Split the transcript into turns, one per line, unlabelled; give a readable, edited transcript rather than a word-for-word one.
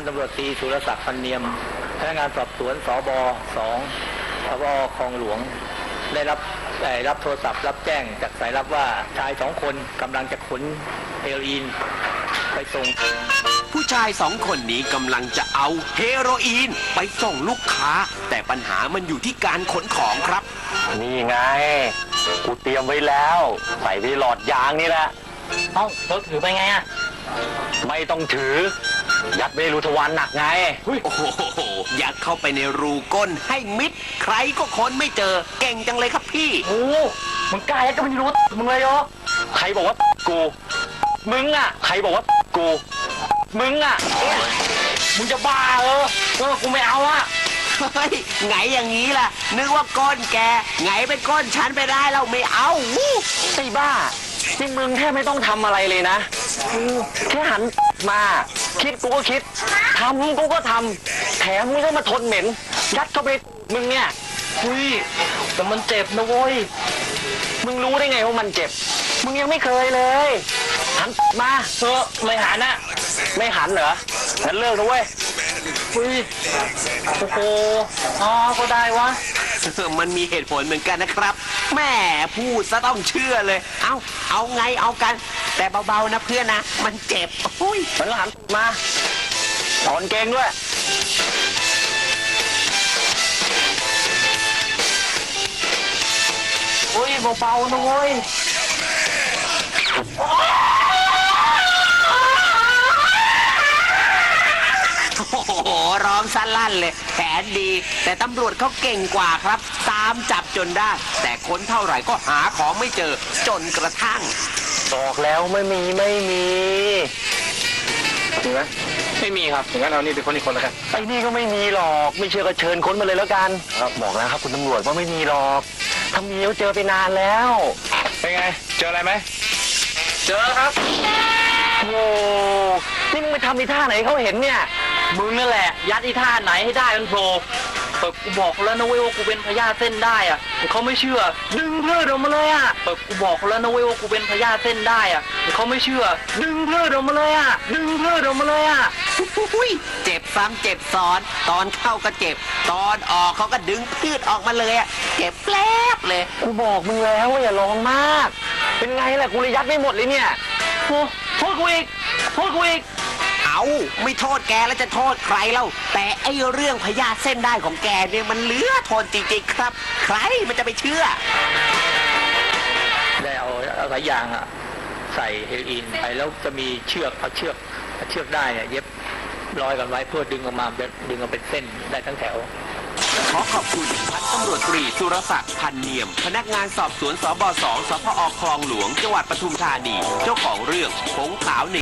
ตำรวจตรีสุรศักดิ์พันเนียมพนักงานสอบสวนสบ2 สพคลองหลวงได้รับโทรศัพท์รับแจ้งจากสายลับว่าชาย2 คนกำลังจะขนเฮโรอีนไปส่ง
ผู้ชาย2 คนนี้กำลังจะเอาเฮโรอีนไปส่งลูกค้าแต่ปัญหามันอยู่ที่การขนของครับ
นี่ไงกูเตรียมไว้แล้วใส่ไปหลอดยางนี่แหละ
เอ้าเราถือไปไงอ่ะ
ไม่ต้องถือยัดไว้รูทวารหนักไง
โอ้โหยัดเข้าไปในรูก้นให้มิดใครก็ค้นไม่เจอเก่งจังเลยครับพี่
โอ้มึงกล้ายัดก็ไม่รู้มึงเลยเหรอ
ใครบอกว่ากูมึงอ่ะใครบอกว่ากูมึงอ่ะ
มึงจะบ้ากูไม่เอาอ่ะ
เฮ้ยไงอย่างนี้ล่ะนึกว่าก้นแกไงเป็นก้นฉันไปได้เราไม่เอา
ไอ้บ้าที่มึงแค่ไม่ต้องทำอะไรเลยนะแค่หันมาคิดกูก็คิดทำกูก็ทำแถมมึงก็มาทนเหม็นยัดเข้าไปมึงเนี่ย
แต่มันเจ็บนะเว้ย
มึงรู้ได้ไงว่ามันเจ็บมึงยังไม่เคยเลยหันมา
ไม่หันอ่ะ
ไม่หันเหรองั้นเลิกนะเว้ย
โอ้โหก็ได้วะ
มันมีเหตุผลเหมือนกันนะครับแม่พูดซะต้องเชื่อเลยเอาไงเอากันแต่เบาๆนะเพื่อนนะมันเจ็บ
มันหันมาถอนเกงด้วย
เบาๆนะเว้ย
โอ้โหร้องสั้นลั่นเลยแผนดีแต่ตำรวจเขาเก่งกว่าครับตามจับจนได้แต่ค้นเท่าไหร่ก็หาของไม่เจอจนกระทั่ง
บอกแล้วไม่มีจริงไหม
ไม่มีครับอย่างนั้นเอานี่เป็นคนอีกคนแล้วกัน
ไอ้นี่ก็ไม่มีหรอกไม่เชื่อก็เชิญค้นมาเลยแล้วกันบอกแล้วครับคุณตำรวจว่าไม่มีหรอกถ้ามีก็เจอไปนานแล้ว
เป็นไงเจออะไรไหมเจอครับ
โอ้นี่มึงไปทำอีท่าไหนเขาเห็นเนี่ย
มึงนั่นแหละยัดอีท่าไหนให้ได้มันโผล่กูบอกแล้วนะเว้ยว่ากูเป็นพญาเส้นได้อ่ะเขาไม่เชื่อดึงเพื่อออกมาเลยอ่ะกูบอกแล้วนะเว้ยว่ากูเป็นพญาเส้นได้อ่ะเขาไม่เชื่อดึงเพื่อออกมาเลยอ่ะดึงเพื่อออกมาเลยอ่ะ
เจ็บซ้ำเจ็บซ้อนตอนเข้าก็เจ็บตอนออกเขาก็ดึงพืชออกมาเลยอ่ะเจ็บแปลบเลย
กูบอกมึงแล้วว่าอย่าลองมากเป็นไงล่ะกูเลยยัดไม่หมดเลยเนี่ย
โทษกูอีก
ไม่โทษแกแล้วจะโทษใครเล่าแต่ไอ้เรื่องพยาธิเส้นได้ของแกเนี่ยมันเหลือทนจริงๆครับใครมันจะไปเชื่อ
ได้เอาสายยางใส่เฮโรอีนไปแล้วจะมีเชือกเอาเชือกได้เนี่ยเย็บร้อยกันไว้เพื่อดึงออกมาเป็นเส้นได้ทั้งแถว
ขอขอบคุณพันตำรวจตรีสุรศักดิ์พันเนียมพนักงานสอบสวนสบ2 สพคลองหลวงจังหวัดปทุมธานีเจ้าของเรื่องผงขาว